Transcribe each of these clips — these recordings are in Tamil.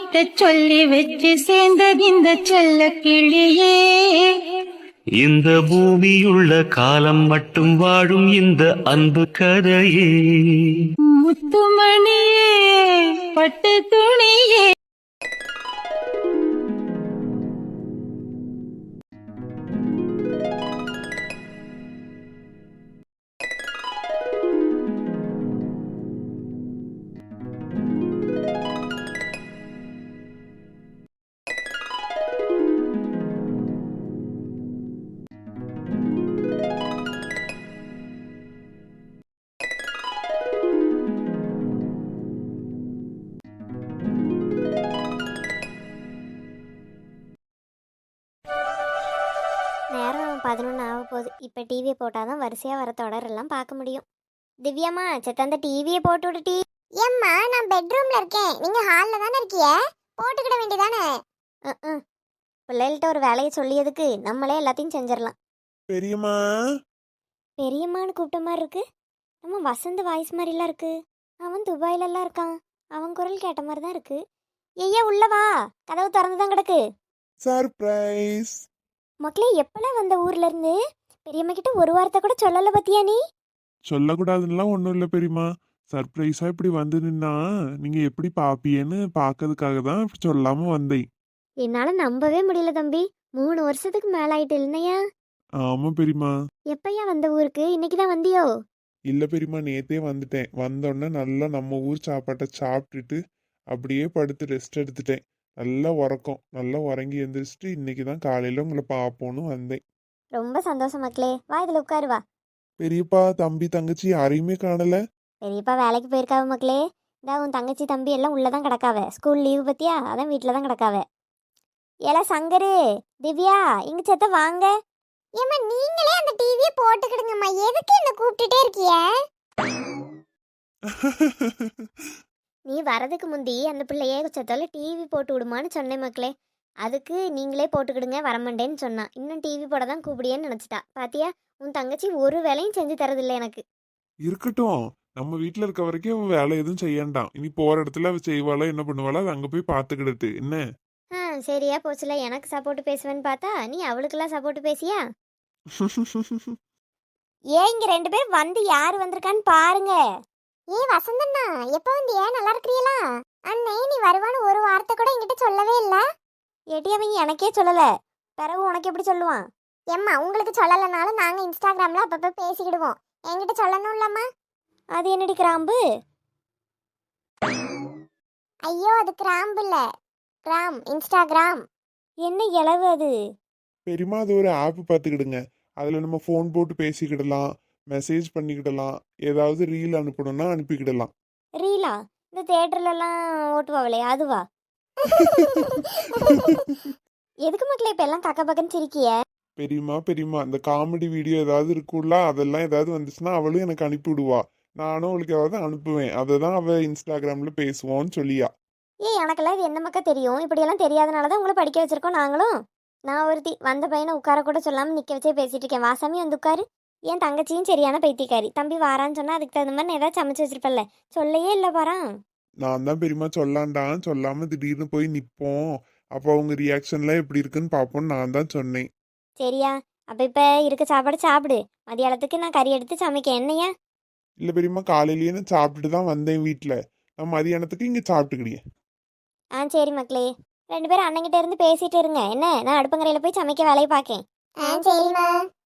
கிட்ட சொல்லி வச்சு சேர்ந்தது இந்த செல்ல கிளியே. இந்த பூமியுள்ள காலம் மட்டும் வாழும் இந்த அன்பு கதையே. முத்துமணியே பட்டு துணியே. நேரம் 11 ஆக போகுது. இப்போ டிவியை போட்டால் தான் வரிசையாக வர தொடரெல்லாம் பார்க்க முடியும். திவ்யாம்மா செத்த அந்த டிவியை போட்டு விடுட்டி. ஏம்மா நான் பெட்ரூமில் இருக்கேன், நீங்கள் ஹாலில் தானே இருக்கிய, போட்டுக்கிட வேண்டியதானே. பிள்ளைகள்கிட்ட ஒரு வேலையை சொல்லியதுக்கு நம்மளே எல்லாத்தையும் செஞ்சிடலாம். பெரியம்மா பெரியம்மான்னு கூப்பிட்ட மாதிரி இருக்கு. நம்ம வசந்த் வாய்ஸ் மாதிரிலாம் இருக்கு. அவன் துபாயிலெல்லாம் இருக்கான், அவன் குரல் கேட்ட மாதிரி தான் இருக்கு. ஐயா உள்ளவா, கதவு திறந்து தான் கிடக்கு. சர்ப்ரைஸ். மக்களே எப்பெல்லாம் வந்த ஊர்ல இருந்து? பெரியம்மா கிட்ட ஒரு வார்த்தை கூட சொல்லல பத்தியா நீ? சொல்லக்கூடாதுன்னெலாம் ஒன்றும் இல்லை பெரியம்மா. சர்ப்ரைஸாக இப்படி வந்து நின்னா நீங்கள் எப்படி பார்ப்பீன்னு பார்க்கறதுக்காக தான் இப்படி சொல்லாமல் வந்தேன். என்னால நம்பவே முடியல தம்பி. 3 வருஷத்துக்கு மேல ஆயிட்டு இல்லையா? ஆமாம் பெரியம்மா. எப்பயா வந்த ஊருக்கு? இன்னைக்கு தான் வந்தியோ? இல்லை பெரியம்மா, நேற்றே வந்துட்டேன். வந்தோடனே நல்லா நம்ம ஊர் சாப்பாட்டை சாப்பிட்டுட்டு அப்படியே படுத்து ரெஸ்ட் எடுத்துட்டேன். நல்லா உறக்கம், நல்லா உறங்கி எழுந்திரிச்சிட்டு இன்னைக்கு தான் காலையில் உங்களை பார்ப்போன்னு வந்தேன். ரொம்ப சந்தோஷம் மக்களே. வா இதுல உட்காரு வா. பெரியப்பா தம்பி தங்கச்சி யாரையுமே காணல. பெரியப்பா வேலைக்கு போயிருக்காவ மக்களே. இந்த உன் தங்கச்சி தம்பி எல்லாம் உள்ளதான் கிடக்காவ. ஸ்கூல் லீவு பத்தியா, அதான் வீட்டில தான் கிடக்காவ. ஏலா சங்கரு, திவ்யா இங்க செத்த வாங்க. ஏம்மா நீங்களே அந்த டிவியை போட்டுக்கிடுங்கம்மா, எதுக்கு என்ன கூப்பிட்டுட்டே இருக்கிய? நீ வரதுக்கு முந்தி அந்த பிள்ளையே செத்தால டிவி போட்டு விடுமான்னு சொன்னேன் மக்களே. அதுக்கு நீங்களே போட்டுக்கிடுங்க வரமாட்டேன்னு சொன்னான். இன்னும் டிவி போட தான் கூப்பிடியேன்னு நினச்சிட்டா. பாத்தியா, உன் தங்கச்சி ஒரு வேலையும் செஞ்சு தரதில்லை எனக்கு. இருக்கட்டும், நம்ம வீட்டில் இருக்க வரைக்கும் அவ வேலை எதுவும் செய்யண்டாம். இனி போகிற இடத்துல அவ செய்வாளா என்ன பண்ணுவாளா, அது அங்கே போய் பார்த்துக்கிடுது என்ன. சரியா போச்சுல. எனக்கு சப்போர்ட் பேசுவேன்னு பார்த்தா நீ அவளுக்கெல்லாம் சப்போர்ட் பேசியா? ஏன் இங்க 2 பேர் வந்து யார் வந்திருக்கான்னு பாருங்க. வசந்தண்ணா எப்ப வந்து ஏன் நல்லா இருக்கிறீங்களா? அண்ணே நீ வருவான்னு ஒரு வார்த்தை கூட என்கிட்ட சொல்லவே இல்ல. ஏட்டி அவங்க எனக்கே சொல்லல, பிறகு உனக்கு எப்படி சொல்லுவான்? எம்மா உங்களுக்கு சொல்லலைனாலும் நாங்க இன்ஸ்டாகிராம்ல அப்பப்ப பேசிக்கிடுவோம், என்கிட்ட சொல்லணும் இல்லம்மா. அது என்னடி கிராம்பு? ஐயோ அது கிராம்பு இல்ல, கிராம், இன்ஸ்டாகிராம். என்ன இளவு அது? பெரியமா அது ஒரு ஆப் பார்த்துக்கிடுங்க. அதில் நம்ம ஃபோன் போட்டு பேசிக்கிடலாம், மெசேஜ் பண்ணிக்கிடலாம், ஏதாவது ரீல் அனுப்பணும்னா அனுப்பிக்கிடலாம். ரீலா? இந்த தியேட்டர்லலாம் ஓட்டுவாங்களே அதுவா? எதுக்கு மக்களே இப்ப எல்லாம் கக்க பக்கன்னு சிரிக்கிய? பெரியமா அந்த காமெடி வீடியோ ஏதாவது இருக்குல்ல, அதெல்லாம் ஏதாவது வந்துச்சுன்னா அவளும் எனக்கு அனுப்பி விடுவா. நானும் அவளுக்கு ஏதாவது அனுப்புவேன். அதை தான் அவள் இன்ஸ்டாகிராமில் பேசுவோன்னு சொல்லியா. எனக்கெல்லாம் இது என்ன மக்கா தெரியும்? இப்படியெல்லாம் தெரியாதனால தான் உங்களை படிக்க வச்சிருக்கோம் நாங்களும். நான் ஒருத்தி வந்த பையனை உட்கார கூட சொல்லாமல் நிற்க வச்சே பேசிட்டு இருக்கேன். வாசாமி வந்து உட்காரு. என் தங்கச்சியும் சரியான பைத்தியக்காரி. தம்பி வாரான்னு சொன்னால் அதுக்கு தகுந்த மாதிரி நான் ஏதாவது சமைச்சு வச்சிருப்பல்ல, சொல்லையே இல்லை பாரான். நான் தான் பெரியமா சொல்லாண்டான், சொல்லாமல் திடீர்னு போய் நிற்போம், அப்போ அவங்க ரியாக்ஷன்லாம் எப்படி இருக்குன்னு பார்ப்போன்னு நான் தான் சொன்னேன். சரியா? அப்போ இப்போ இருக்க சாப்பாடு சாப்பிடு. மதியானத்துக்கு நான் கறி எடுத்து சமைக்க என்னையா? இல்லை பெரியமா, காலையிலேயே நான் சாப்பிட்டுட்டு தான் வந்தேன் வீட்டில். நான் மதியானத்துக்கு இங்கே சாப்பிட்டுக்கிடியேன். சரி மக்களே, 2 பேரும் அண்ணங்கிட்ட இருந்து பேசிட்டு இருங்க என்ன, நான் அடுப்பங்கரையில் போய் சமைக்க வேலையை பார்க்கேன். சரிம்மா.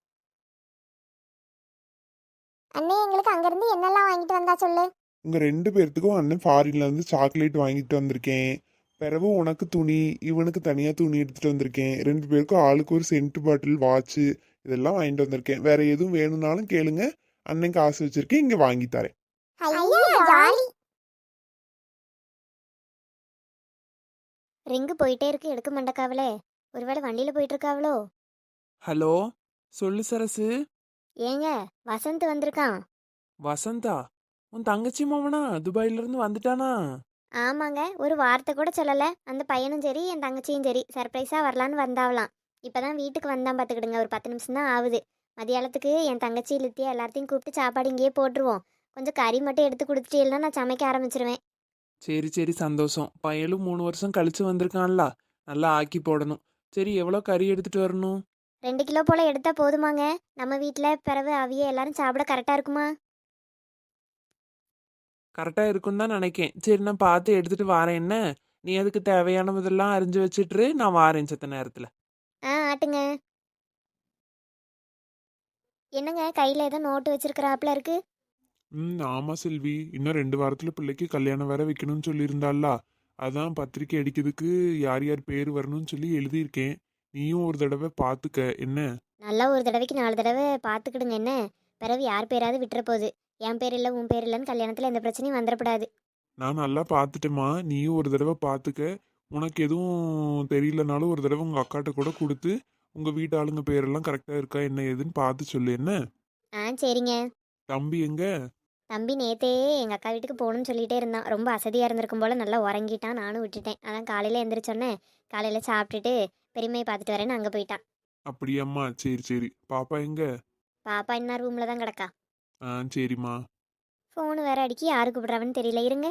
அண்ணே எங்களுக்கு அங்கேருந்து என்னெல்லாம் வாங்கிட்டு வந்தா சொல்லு. உங்கள் 2 பேர்த்துக்கும் அண்ணன் ஃபாரின்லேருந்து சாக்லேட் வாங்கிட்டு வந்திருக்கேன். பிறகு உனக்கு துணி, இவனுக்கு தனியாக துணி எடுத்துகிட்டு வந்திருக்கேன். 2 பேருக்கும் ஆளுக்கு ஒரு சென்ட் பாட்டில், வாட்சு இதெல்லாம் வாங்கிட்டு வந்திருக்கேன். வேற எதுவும் வேணும்னாலும் கேளுங்க, அண்ணன் காசு வச்சிருக்கேன், இங்கே வாங்கி தரேன். ரிங்கு போயிட்டே இருக்கு, எடுக்க மாட்டக்காவளே. ஒருவேளை வண்டியில போயிட்டு இருக்காவளோ? ஹலோ, சொல்லு சரசு. ஏங்க வசந்த் வந்திருக்கான். வசந்தா? உன் தங்கச்சி மாமனா துபாயில இருந்து வந்துட்டானா? ஆமாங்க, ஒரு வார்த்தை கூட சொல்லல. அந்த பையனும் சரி என் தங்கச்சியும் சரி சர்ப்ரைஸா வரலான்னு வந்தாவலாம். இப்பதான் வீட்டுக்கு வந்தான் பார்த்துக்கிடுங்க. ஒரு 10 நிமிஷம் தான் ஆகுது. மதியானத்துக்கு என் தங்கச்சி லித்தியா எல்லாத்தையும் கூப்பிட்டு சாப்பாடு இங்கேயே போட்டுருவோம். கொஞ்சம் கறி மட்டும் எடுத்து கொடுத்துட்டீங்கன்னா நான் சமைக்க ஆரம்பிச்சிருவேன். சரி சரி சந்தோஷம். பையனும் 3 வருஷம் கழிச்சு வந்திருக்கான்ல, நல்லா ஆக்கி போடணும். சரி, எவ்வளோ கறி எடுத்துட்டு வரணும்? 2 கிலோ போல எடுத்தா போதுமாங்க? நம்ம வீட்டில் பிறகு அவிய எல்லாரும் சாப்பிட கரெக்டாக இருக்குமா? கரெக்டாக இருக்குன்னு தான் நினைக்கேன். சரி, நான் பார்த்து எடுத்துட்டு வாரேன். என்ன, நீ அதுக்கு தேவையானதெல்லாம் அரிஞ்சு வச்சிட்டு நான் வாரேன் செத்த நேரத்தில். ஆட்டுங்க. என்னங்க கையில் ஏதோ நோட்டு வச்சிருக்கிறாப்புல இருக்கு? ஆமா செல்வி, இன்னும் 2 வாரத்துல பிள்ளைக்கு கல்யாணம் வேற வைக்கணும்னு சொல்லியிருந்தாள்ல. அதான் பத்திரிக்கை அடிக்கிறதுக்கு யார் யார் பேர் வரணும்னு சொல்லி எழுதியிருக்கேன். நீயும் ஒரு தடவை பார்த்துக்க என்ன. நல்லா ஒரு தடவைக்கு 4 தடவை பார்த்துக்கிடுங்க என்ன. பிறகு யார் பேராவது விட்டுற போகுது. என் பேர் இல்லை உன் பேர் இல்லைன்னு கல்யாணத்தில் எந்த பிரச்சனையும் வந்துடக்கூடாது. நான் நல்லா பார்த்துட்டேம்மா, நீயும் ஒரு தடவை பார்த்துக்க. உனக்கு எதுவும் தெரியலனாலும் ஒரு தடவை உங்க அக்காட்ட கூட கொடுத்து உங்க வீட்டு ஆளுங்க பேரெல்லாம் கரெக்டா இருக்கா என்ன ஏதுன்னு பார்த்து சொல்லு என்ன. சரிங்க. தம்பி எங்க? தம்பி நேத்தே எங்கள் அக்கா வீட்டுக்கு போகணும்னு சொல்லிட்டே இருந்தான். ரொம்ப அசதியாக இருந்திருக்கும் போல் நல்லா உறங்கிட்டான். நானும் விட்டுட்டேன். அதான் காலையில் எந்திரிச்சோன்னே காலையில் சாப்பிட்டுட்டு பெரியமையை பார்த்துட்டு வரேன்னு அங்கே போயிட்டான். அப்படியாம்மா, சரி சரி. பாப்பா எங்க? பாப்பா என்ன ரூமில் தான் கிடக்கா. சரிம்மா. ஃபோனு வேற அடிக்கி யாரு கூப்பிட்றாவன்னு தெரியல, இருங்க.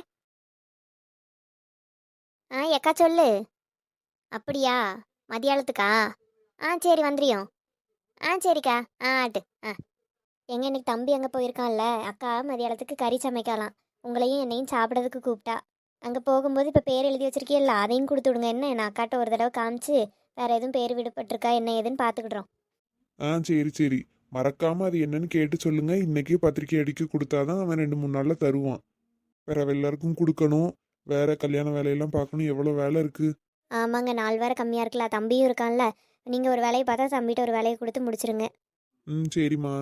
எக்கா சொல்லு. அப்படியா? மதியானத்துக்கா? சரி வந்துறியோம். சரிக்கா. ஆட்டு. எங்க இன்னைக்கு தம்பி அங்கே போயிருக்கான்ல, அக்கா மதியானத்துக்கு கறி சமைக்கலாம். உங்களையும் என்னையும் சாப்பிட்றதுக்கு கூப்பிட்டா. அங்கே போகும்போது இப்போ பேர் எழுதி வச்சிருக்கீல்ல, அதையும் கொடுத்து விடுங்க என்ன. நான் அக்காட்ட ஒரு தடவை காமிச்சு வேற எதுவும் பேர் விடுபட்டிருக்கா என்ன ஏதுன்னு பார்த்துக்கிடுறோம். சரி சரி. மறக்காம அது என்னன்னு கேட்டு சொல்லுங்க. இன்னைக்கே பத்திரிக்கை அடிக்க கொடுத்தாதான் அவன் 2-3 நாள்ல தருவான். வேற எல்லாருக்கும் கொடுக்கணும், வேற கல்யாண வேலையெல்லாம் பார்க்கணும், எவ்வளோ வேலை இருக்கு. ஆமாங்க, 4 வேற கம்மியாக இருக்குல்ல, தம்பியும் இருக்கான்ல. நீங்கள் ஒரு வேலையை பார்த்தா தம்பிகிட்ட ஒரு வேலையை கொடுத்து முடிச்சிருங்க. சரிம்மா.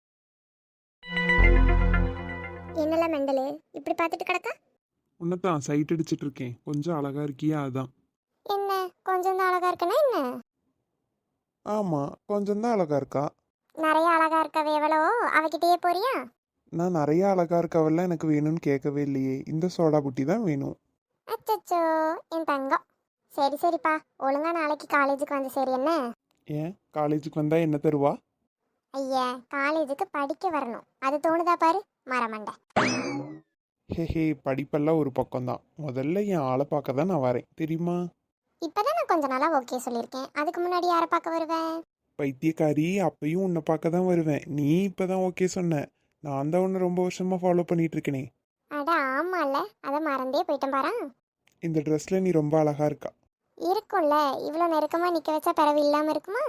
என்னல மெண்டலு இப்படி பார்த்துட்டு கிடக்கா? உன்னதான் சைட் அடிச்சிட்டு இருக்கேன். கொஞ்சம் அழகா இருக்கியா அதான். என்ன கொஞ்சம் தான் அழகா இருக்கனா என்ன? ஆமா, கொஞ்சம் தான் அழகா இருக்கா. நிறைய அழகா இருக்கவே எவ்வளோ அவகிட்டயே போறியா? நான் நிறைய அழகா இருக்கவெல்லாம் எனக்கு வேணும்னு கேட்கவே இல்லையே. இந்த சோடா புட்டி தான் வேணும். அச்சச்சோ என் தங்கம். சரி சரிப்பா, ஒழுங்கா நாளைக்கு காலேஜுக்கு வந்து சரி என்ன. ஏன் காலேஜுக்கு வந்தா என்ன தருவா? ஐயா, காலேஜுக்கு படிக்க வரணும், அது தோணுதா பாரு மரமண்டை. ஹே படிப்பெல்லாம் ஒரு பக்கம்தான். முதல்ல என் ஆளை பார்க்க தான் நான் வரேன் தெரியுமா. இப்பதான் நான் கொஞ்ச நாளா ஓகே சொல்லியிருக்கேன். அதுக்கு முன்னாடி யாரை பார்க்க வருவேன்? பைத்தியக்காரி, அப்பயும் உன்னை பார்க்க தான் வருவேன். நீ இப்பதான் ஓகே சொன்ன. நான் தான் உன்னை ரொம்ப வருஷமா ஃபாலோ பண்ணிட்டு இருக்கேனே. அட ஆமால, அதை மறந்தே போயிட்டேன் பாரா. இந்த ட்ரெஸ்ல நீ ரொம்ப அழகா இருக்கா. இருக்கும்ல, இவ்வளோ நெருக்கமாக நிற்க வச்சா பிறவு இல்லாமல் இருக்குமா?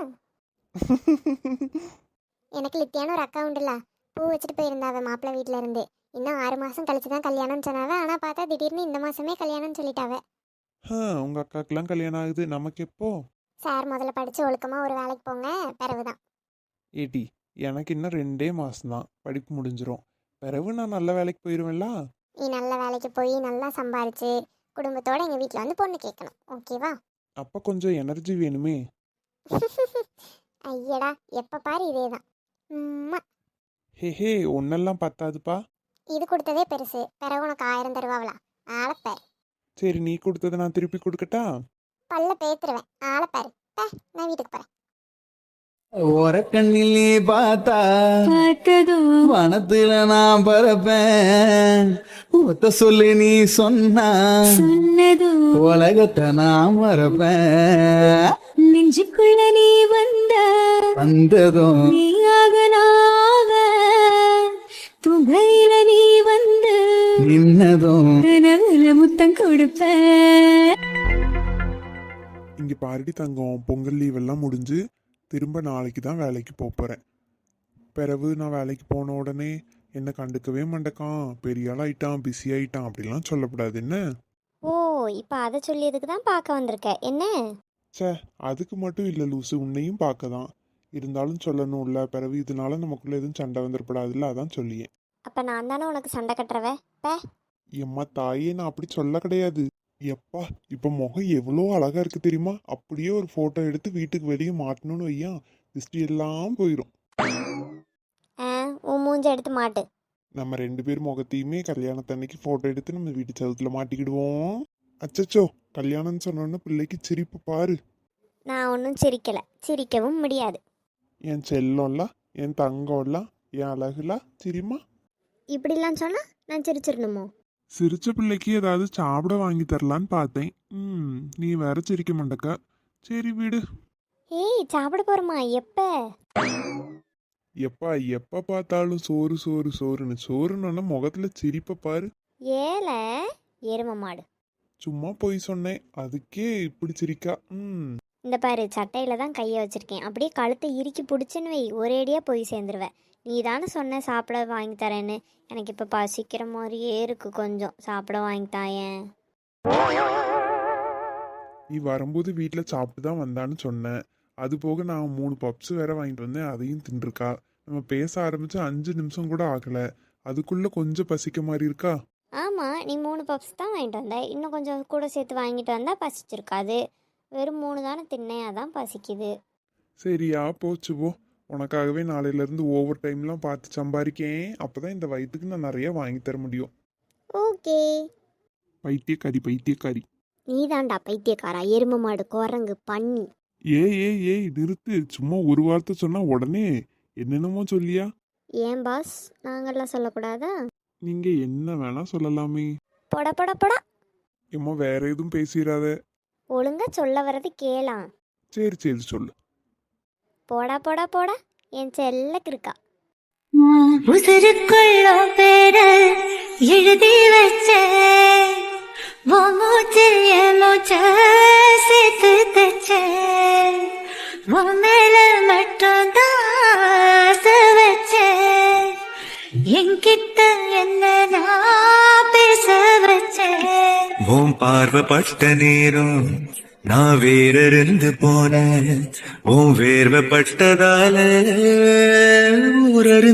எனக்கு லித்தியான ஒரு அக்கா உண்டுல, பூ வச்சுட்டு போயிருந்தாவ மாப்பிள்ளை வீட்டில் இருந்து. இன்னும் 6 மாதம் கழிச்சு தான் கல்யாணம்னு சொன்னாவ. ஆனால் பார்த்தா திடீர்னு இந்த மாதமே கல்யாணம்னு சொல்லிட்டாவ. உங்க அக்காக்கெல்லாம் கல்யாணம் ஆகுது, நமக்கு எப்போ? சார் முதல்ல படித்து ஒழுக்கமாக ஒரு வேலைக்கு போங்க, பிறகு தான். ஏடி, எனக்கு இன்னும் 2 மாசம்தான் படிப்பு முடிஞ்சிரும். பிறகு நான் நல்ல வேலைக்கு போயிடுவேன்ல. நீ நல்ல வேலைக்கு போய் நல்லா சம்பாரிச்சு குடும்பத்தோட எங்கள் வீட்டில் வந்து பொண்ணு கேட்கணும், ஓகேவா? அப்போ கொஞ்சம் எனர்ஜி வேணுமே. ஐயடா, எப்போ பாரு இதே தான். ஹே ஒன்னெல்லாம் பத்தாதுப்பா. இது கொடுத்ததே பெருசு, பிறகு உனக்கு 1000 தருவாங்களா? ஆளப்பாரு. சரி, நீ கொடுத்ததை நான் திருப்பி கொடுக்கட்டா? பல்ல பேத்துருவேன், ஆளப்பாரு. நான் வீட்டுக்கு போகிறேன். ஓரக்கண்ணில் நீ பார்த்தா பார்த்ததும் வனத்துல நான் பறப்பேன். ஒத்த சொல்லி நீ சொன்னா சொன்னதும் உலகத்தை நான் மறப்பேன். நெஞ்சுக்குள்ள நீ வந்ததும் நீயாக நாவ துகையில நீ வந்து நின்னதும் கனவுல முத்தம் கொடுப்ப. இங்க பாருடி தங்கம், பொங்கல் லீவ் எல்லாம் முடிஞ்சு திரும்ப நாளைக்கு தான் வேலைக்கு போறேன். பிறகு நான் வேலைக்கு போன உடனே என்ன கண்டுக்கவே மாட்டேக்கான், பெரிய ஆள் ஆயிட்டான், பிஸி ஆயிட்டான் அப்படிலாம் சொல்லக்கூடாது என்ன. ஓ, இப்போ அதை சொல்லியதுக்கு தான் பார்க்க வந்திருக்க என்ன? அதுக்கு மட்டும் இல்லை லூசு, உன்னையும் பார்க்க தான். இருந்தாலும் சொல்லணும்ல, பிறகு இதனால நமக்குள்ள எதுவும் சண்டை வந்துடப்படாதுல்ல, அதான் சொல்லியேன். அப்போ நான் தானே உனக்கு சண்டை கட்டுறவ? எம்மா தாயே, நான் அப்படி சொல்ல கிடையாது. எப்பா, இப்போ முகம் எவ்வளோ அழகா இருக்கு தெரியுமா. அப்படியே ஒரு ஃபோட்டோ எடுத்து வீட்டுக்கு வெளியே மாட்டணும்னு வையா, திருஷ்டி எல்லாம் போயிடும். உன் மூஞ்ச எடுத்து மாட்டு. நம்ம 2 பேர் முகத்தையுமே கல்யாணத்தன்னைக்கு ஃபோட்டோ எடுத்து நம்ம வீட்டு சவுத்துல மாட்டிக்கிடுவோம். அச்சச்சோ, கல்யாணம்னு சொன்னோன்னு பிள்ளைக்கு சிரிப்பு பாரு. நான் ஒன்றும் சிரிக்கலை, சிரிக்கவும் முடியாது. என் செல்லம்ல, என் தங்கம்ல, என் அழகுல சிரிமா. இப்படிலாம் சொன்னால் நான் சிரிச்சிடணுமோ? சிரிச்ச பிள்ளைக்கு ஏதாவது சாப்பிட வாங்கி தரலான்னு பார்த்தேன். நீ வேற சிரிக்க மாட்டக்கா. சரி விடு. ஏய் சாப்பிட போறோமா? எப்ப? எப்பா எப்ப பார்த்தாலும் சோறு சோறு சோறுன்னு சோறுன்னு முகத்துல சிரிப்ப பாரு. ஏல எரும மாடு. சும்மா போய் சொன்னேன், அதுக்கே இப்படி சிரிக்கா. இந்த பாரு, சட்டையில தான் கையை வச்சிருக்கேன். அப்படியே கழுத்தை இறுக்கி பிடிச்சுன்னு வை, ஒரேடியா போய் சேர்ந்துருவேன். நீ தானே சொன்ன சாப்பிட வாங்கி தரேன்னு. எனக்கு இப்போ பசிக்கிற மாதிரியே இருக்கு, கொஞ்சம் சாப்பிட வாங்கி தாயேன். நீ வரும்போது வீட்டில் சாப்பிட்டு தான் வந்தான்னு சொன்னேன். அது போக நான் 3 பப்ஸ் வேற வாங்கிட்டு வந்தேன், அதையும் தின்றுருக்கா. நம்ம பேச ஆரம்பிச்சு 5 நிமிஷம் கூட ஆகல, அதுக்குள்ள கொஞ்சம் பசிக்க மாதிரி இருக்கா. ஆமாம், நீ 3 பப்ஸ் தான் வாங்கிட்டு வந்த. இன்னும் கொஞ்சம் கூட சேர்த்து வாங்கிட்டு வந்தா பசிச்சிருக்காது. வெறும் 3 தானே தின்னேன், அதான் பசிக்குது. சரியா போச்சு போ. உனக்காகவே நாளையிலேருந்து ஓவர் டைம்லாம் பார்த்து சம்பாதிக்கேன். அப்போதான் இந்த வயிற்றுக்கு நான் நிறைய வாங்கி தர முடியும். ஓகே. பைத்தியக்காரி பைத்தியக்காரி. நீ தாண்டா பைத்தியக்காரா, எரும மாடு, குரங்கு, பன்னி. ஏய் நிறுத்து. சும்மா ஒரு வார்த்தை சொன்னா உடனே என்னென்னமோ சொல்லியா? ஏன் பாஸ், நாங்கள்லாம் சொல்லக்கூடாதா? நீங்க என்ன வேணா சொல்லலாமே. பொட பொட பொடா. ஏம்மா வேற எதுவும் பேசிடாத. ஒழுங்கா சொல்ல வர்றது கேளாம். சரி சொல்லு. போடா போடா போடா, என் செல்லக்கு இருக்கா. உசுருக்குள்ள பேர எழுதி வச்ச மூச்சில் என் மூச்ச சேர்த்து தச்ச மேல மட்டும் தான் வச்ச என்கிட்ட என்ன நான் பேச வச்ச உன் பார்வைப்பட்ட நேரம் நான் வேறிருந்து போனேன். உன் வேர்வைப்பட்டதால ஊரறிந்து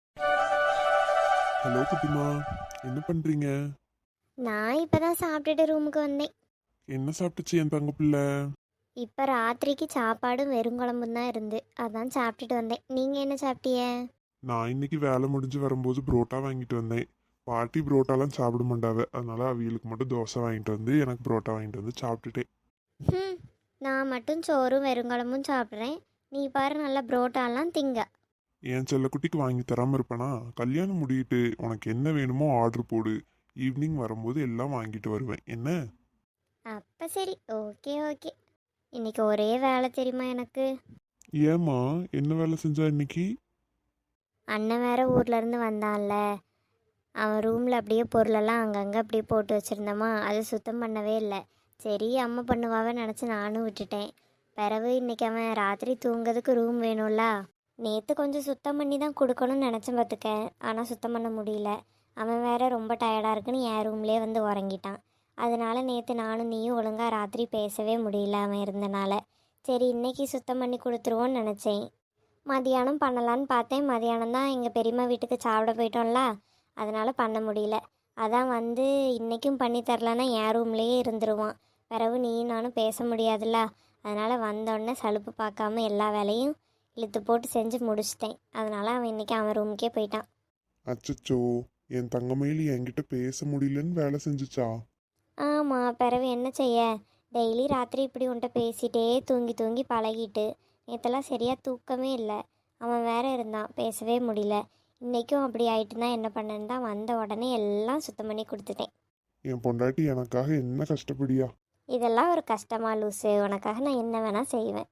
ஹலோ குட்டிமா, என்ன பண்றீங்க? நான் இப்பதான் சாப்பிட்டுட்டு ரூமுக்கு வந்தேன். என்ன சாப்பிட்டுச்சு என் தங்க பிள்ளை? இப்போ ராத்திரிக்கு சாப்பாடும் வெறுங்குழம்பும் தான் இருந்து, அதான் சாப்பிட்டுட்டு வந்தேன். நீங்கள் என்ன சாப்பிட்டீங்க? நான் இன்னைக்கு வேலை முடிஞ்சு வரும்போது புரோட்டா வாங்கிட்டு வந்தேன். பாட்டி புரோட்டாலாம் சாப்பிட மாட்டாவ, அதனால அவியலுக்கு மட்டும் தோசை வாங்கிட்டு வந்து எனக்கு புரோட்டா வாங்கிட்டு வந்து சாப்பிட்டுட்டேன். நான் மட்டும் சோறும் வெறுங்குழம்பும் சாப்பிட்றேன். நீ பாரு நல்லா புரோட்டாலாம் திங்க. என் செல்லக்குட்டிக்கு வாங்கி தராம இருப்பேனா? கல்யாணம் முடியிட்டு உனக்கு என்ன வேணுமோ ஆர்டர் போடு, ஈவினிங் வரும்போது எல்லாம் வாங்கிட்டு வருவேன். என்ன? அப்போ சரி, ஓகே ஓகே. இன்னைக்கு ஒரே வேலை தெரியுமா எனக்கு? ஏம்மா என்ன வேலை செஞ்சா இன்னைக்கு? அண்ணன் வேற ஊர்ல இருந்து வந்தான்ல, அவன் ரூமில் அப்படியே பொருளெல்லாம் அங்கங்கே அப்படியே போட்டு வச்சுருந்தோமா, அது சுத்தம் பண்ணவே இல்லை. சரி அம்மா பண்ணுவாவே நினச்சி நானும் விட்டுட்டேன். பிறகு இன்னைக்கு அவன் ராத்திரி தூங்குறதுக்கு ரூம் வேணும்ல, நேற்று கொஞ்சம் சுத்தம் பண்ணி தான் கொடுக்கணும்னு நினச்சேன் பார்த்துக்க. ஆனால் சுத்தம் பண்ண முடியல. அவன் வேற ரொம்ப டயர்டாக இருக்குன்னு என் ரூம்லேயே வந்து உறங்கிட்டான். அதனால நேற்று நானும் நீயும் ஒழுங்காக ராத்திரி பேசவே முடியல அவன் இருந்தனால. சரி இன்னைக்கு சுத்தம் பண்ணி கொடுத்துருவோன்னு நினச்சேன். மதியானம் பண்ணலான்னு பார்த்தேன். மதியானம் தான் எங்கள் பெரியம்மா வீட்டுக்கு சாப்பிட போயிட்டோம்ல, அதனால் பண்ண முடியல. அதான் வந்து இன்றைக்கும் பண்ணி தரலன்னா என் ரூம்லேயே இருந்துருவான். பிறகு நீயும் நானும் பேச முடியாதுல்ல, அதனால் வந்தோடனே சலுப்பு பார்க்காம எல்லா வேலையும் இழுத்து போட்டு செஞ்சு முடிச்சிட்டேன். அதனால் அவன் இன்றைக்கி அவன் ரூமுக்கே போயிட்டான். அச்சச்சோ, என் தங்கமயிலி என்கிட்ட பேச முடியலன்னு வேலை செஞ்சுச்சா? ஆமாம், பிறகு என்ன செய்ய, டெய்லி ராத்திரி இப்படி உன்ட்ட பேசிகிட்டே தூங்கி தூங்கி பழகிட்டு நேற்றெல்லாம் சரியாக தூக்கமே இல்லை. அவன் வேற இருந்தான், பேசவே முடியல. இன்றைக்கும் அப்படி ஆயிட்டு தான் என்ன பண்ணேன்னு தான் வந்த உடனே எல்லாம் சுத்தம் பண்ணி கொடுத்துட்டேன். என் பொண்டாட்டி எனக்காக என்ன கஷ்டப்படியா? இதெல்லாம் ஒரு கஷ்டமா லூசு? உனக்காக நான் என்ன வேணால் செய்வேன்.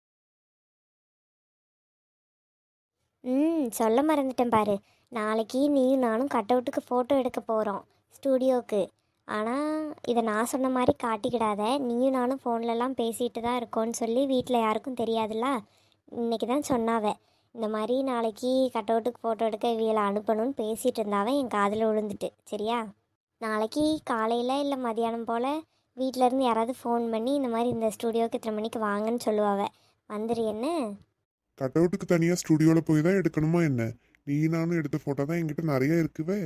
சொல்ல மறந்துட்டேன் பாரு, நாளைக்கு நீயும் நானும் கட் அவுட்டுக்கு ஃபோட்டோ எடுக்க போகிறோம் ஸ்டூடியோவுக்கு. ஆனால் இதை நான் சொன்ன மாதிரி காட்டிக்கிடாத. நீயும் நானும் ஃபோன்லலாம் பேசிகிட்டு தான் இருக்கோன்னு சொல்லி வீட்டில் யாருக்கும் தெரியாதுல்ல. இன்றைக்கி தான் சொன்னாவே இந்த மாதிரி நாளைக்கு கட் அவுட்டுக்கு ஃபோட்டோ எடுக்க இவியலை அனுப்பணும்னு பேசிகிட்டு இருந்தாவே என் காதில் விழுந்துட்டு. சரியா? நாளைக்கு காலையில் இல்லை மதியானம் போல் வீட்டிலேருந்து யாராவது ஃபோன் பண்ணி இந்த மாதிரி இந்த ஸ்டூடியோவுக்கு இத்தனை மணிக்கு வாங்கன்னு சொல்லுவாவே. வந்துரு என்ன? கட் அவுட்டுக்கு தனியாக ஸ்டுடியோவில் போய் தான் எடுக்கணுமா என்ன? நீ நானும் எடுத்த ஃபோட்டோ தான் என்கிட்ட நிறைய இருக்குவே.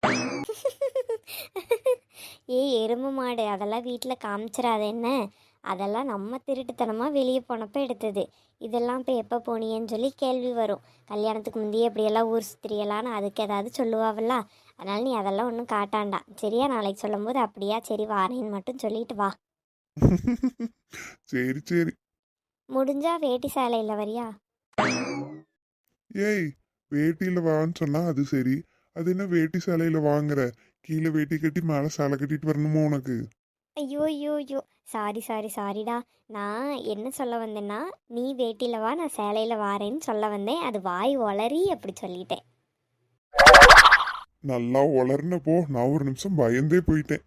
ஏய் எருமை மாடு, அதெல்லாம் வீட்டில் காமிச்சிடாத என்ன. அதெல்லாம் நம்ம திருட்டுத்தனமாக வெளியே போனப்போ எடுத்தது. இதெல்லாம் இப்போ எப்போ போனியேன்னு சொல்லி கேள்வி வரும். கல்யாணத்துக்கு முந்தையே எப்படியெல்லாம் ஊர் சுத்திரியலான்னு அதுக்கு ஏதாவது சொல்லுவாவில்ல. அதனால் நீ அதெல்லாம் ஒன்றும் காட்டாண்டா. சரியா? நாளைக்கு சொல்லும்போது அப்படியா சரி வாரேன்னு மட்டும் சொல்லிட்டு வா. சரி முடிஞ்சா வேட்டி சேலையில் வரியா? ஏய், வேட்டியில் வான்னு சொன்னா அது சரி, அது என்ன வேட்டி சேலையில் வாங்குற? கீழே வேட்டி கட்டி மேலே சேலை கட்டிட்டு வரணுமா உனக்கு? ஐயோ ஐயோ ஐயோ, சாரிடா. நான் என்ன சொல்ல வந்தேன்னா, நீ வேட்டியில் வா, நான் சேலையில் வாரேன்னு சொல்ல வந்தேன். அது வாய் ஒளறி அப்படி சொல்லிட்டேன். நல்லா உளர்னப்போ நான் ஒரு நிமிஷம் பயந்தே போயிட்டேன்.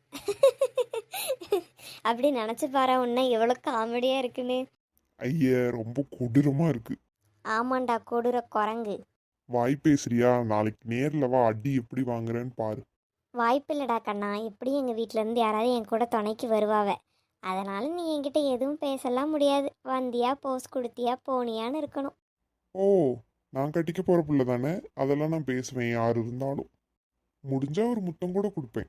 அப்படி நினச்சி பாரு உன்னை எவ்வளோ காமெடியாக இருக்குன்னு. ஐய, ரொம்ப கொடூரமா இருக்கு. ஆமாண்டா, கொடூர குரங்கு. வாய் பேசுறியா? நாளைக்கு நேர்ல வா, அடி எப்படி வாங்குறேன்னு பாரு. வாய்ப்பில்லடா கண்ணா, எப்படியும் எங்கள் வீட்டிலேருந்து யாராவது என் கூட துணைக்கு வருவாவ. அதனால் நீ என்கிட்ட எதுவும் பேசலாம் முடியாது. வந்தியா, போஸ் கொடுத்தியா, போனியான்னு இருக்கணும். ஓ, நான் கட்டிக்க போற பிள்ளை தானே, அதெல்லாம் நான் பேசுவேன் யார் இருந்தாலும். முடிஞ்சா ஒரு முத்தம் கூட கொடுப்பேன்.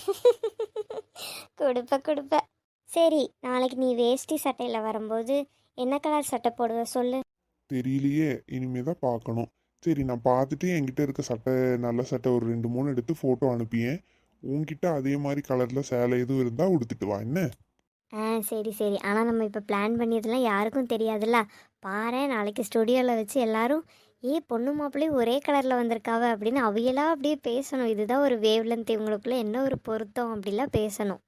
கொடுப்ப. சரி, நாளைக்கு நீ வேஷ்டி சட்டையில் வரும்போது என்ன கலர் சட்டை போடுவ சொல்லு. தெரியலையே, இனிமேதான் பார்க்கணும். சரி, நான் பார்த்துட்டு என்கிட்ட இருக்க சட்டை, நல்ல சட்டை ஒரு 2-3 எடுத்து ஃபோட்டோ அனுப்பியேன். உன்கிட்ட அதே மாதிரி கலரில் சேலை எதுவும் இருந்தால் உடுத்துட்டு வா என்ன. சரி. ஆனால் நம்ம இப்போ பிளான் பண்ணியதெல்லாம் யாருக்கும் தெரியாதுல்ல. பாரு, நாளைக்கு ஸ்டுடியோவில் வச்சு எல்லாரும் பொண்ணு மாப்பிள்ளையும் ஒரே கலரில் வந்திருக்காவ அப்படின்னு அவையெல்லாம் அப்படியே பேசணும். இதுதான் ஒரு வேவ் லென்த், இவங்களுக்குள்ள என்ன ஒரு பொருத்தம் அப்படிலாம் பேசணும்.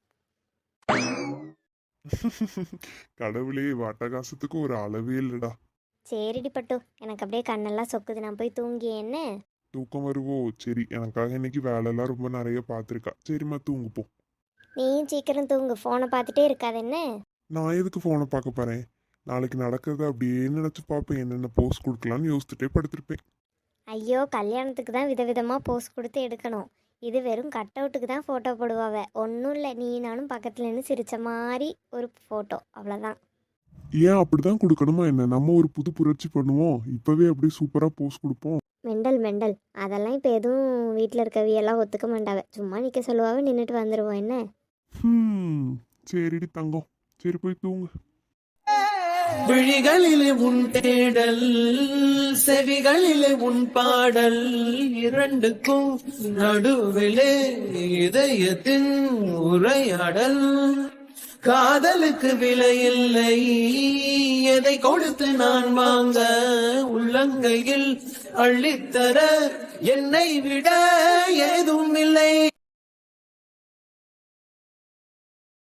கடவுளே, வட்டகாசத்துக்கு ஒரு அளவே இல்லைடா. சரிடி பட்டு, எனக்கு அப்படியே கண்ணெல்லாம் சொக்குது. நான் போய் தூங்கி என்ன. தூக்கம் வருவோ? சரி, எனக்காக இன்னைக்கு வேலையெல்லாம் ரொம்ப நிறைய பார்த்துருக்கா. சரிம்மா, தூங்கு போ. நீயும் சீக்கிரம் தூங்கு, ஃபோனை பார்த்துட்டே இருக்காது என்ன. நான் எதுக்கு ஃபோனை பார்க்க போறேன்? நாளைக்கு நடக்கிறத அப்படியே நினச்சி பார்ப்பேன். என்னென்ன போஸ்ட் கொடுக்கலான்னு யோசிச்சுட்டே படுத்திருப்பேன். ஐயோ, கல்யாணத்துக்கு தான் விதவிதமாக போஸ் கொடுத்து எடுக்கணும். இது வெறும் கட் அவுட்டுக்கு தான் ஃபோட்டோ போடுவாவ. ஒன்றும் இல்லை, நீ நானும் பக்கத்துல இருந்து சிரித்த மாதிரி ஒரு ஃபோட்டோ, அவ்வளோதான். ஏன் அப்படிதான் கொடுக்கணுமா என்ன? நம்ம ஒரு புது புரட்சி பண்ணுவோம். இப்பவே அப்படியே சூப்பரா போஸ்ட் கொடுப்போம். மெண்டல் அதெல்லாம் இப்போ எதுவும் வீட்டில் இருக்கவியெல்லாம் ஒத்துக்க மாட்டாவ. சும்மா நிற்க சொல்லுவாவ, நின்றுட்டு வந்துடுவோம் என்ன. சரிடி தங்கம், சரி போய் தூங்கு. விழிகளிலே உன் தேடல், செவிகளிலே உன் பாடல், இரண்டுக்கும் நடுவிலே இதயத்தின் உரையாடல். காதலுக்கு விலையில்லை, எதை கொடுத்து நான் வாங்க, உள்ளங்கையில் அள்ளித்தர என்னை விட ஏதும் இல்லை.